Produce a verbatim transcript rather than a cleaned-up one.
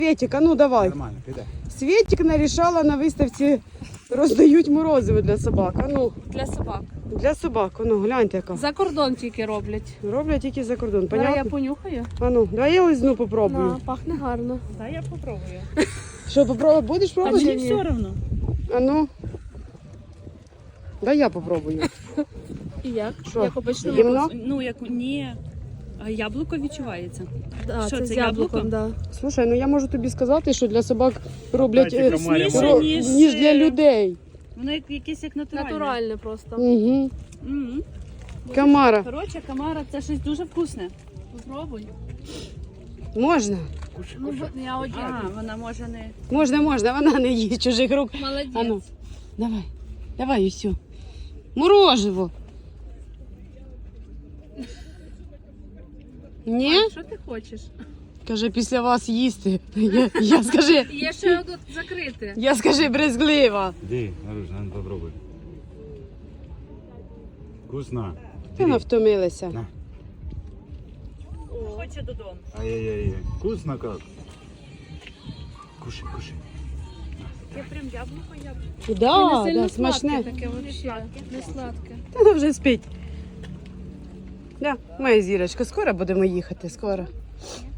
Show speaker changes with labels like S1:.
S1: Світик, а ну давай.
S2: Нормально, піде.
S1: Світик нарішала на виставці, роздають морозиво для собак. А ну,
S3: Для собак.
S1: для собак, а ну, гляньте яка.
S3: За кордон тільки роблять.
S1: Роблять тільки за кордон,
S3: Давай я
S1: понятно?
S3: понюхаю.
S1: А ну, давай я лизну попробую.
S3: На, пахне гарно.
S4: Дай я попробую.
S1: Що, попробуй, будеш
S4: А
S1: пробувати?
S4: мені все одно.
S1: А ну. Дай я попробую.
S3: І як?
S1: Що?
S3: Як обично.
S1: Гімно?
S4: Ну, як ні. А яблуко відчувається.
S3: Да,
S4: Що,
S3: це,
S4: це
S3: з яблуком,
S4: яблуко?
S3: да.
S1: Слушай, ну я можу тобі сказати, що для собак роблять
S2: Дайте
S1: е,
S2: комарям.
S4: Вкусніше,
S1: ро-
S4: ніж,
S1: ніж для
S4: е,
S1: людей.
S4: Воно як, якесь як натуральне.
S3: Натуральне просто.
S1: Угу.
S4: Мгм.
S1: Камара.
S4: Коротше, камара це щось дуже вкусне.
S3: Попробуй.
S1: Можна?
S3: Ну, бо- я один.
S4: А, вона може не.
S1: Можна, можна, вона не їсть чужих рук.
S3: Молодець.
S1: А ну, давай, давай, і все. Мороживо. Ні?
S3: Що ти хочеш?
S1: Каже, після вас їсти. Я, я скажи,
S3: Є ще одне закрите.
S1: я скажи брезглива.
S2: Іди, Наружна, ну попробуй. Вкусно.
S1: Вона втомилася.
S2: На.
S4: Хоче додому.
S2: Ай-яй-яй. Вкусно как. Кушай, кушай.
S4: Це прям яблуко, яблуко.
S3: І
S1: Да,
S3: не сильно
S1: да, смачне.
S3: сладке таке взагалі. Не сладке.
S1: Та вона вже спить. Да, моя зірочка, скоро будемо їхати, скоро.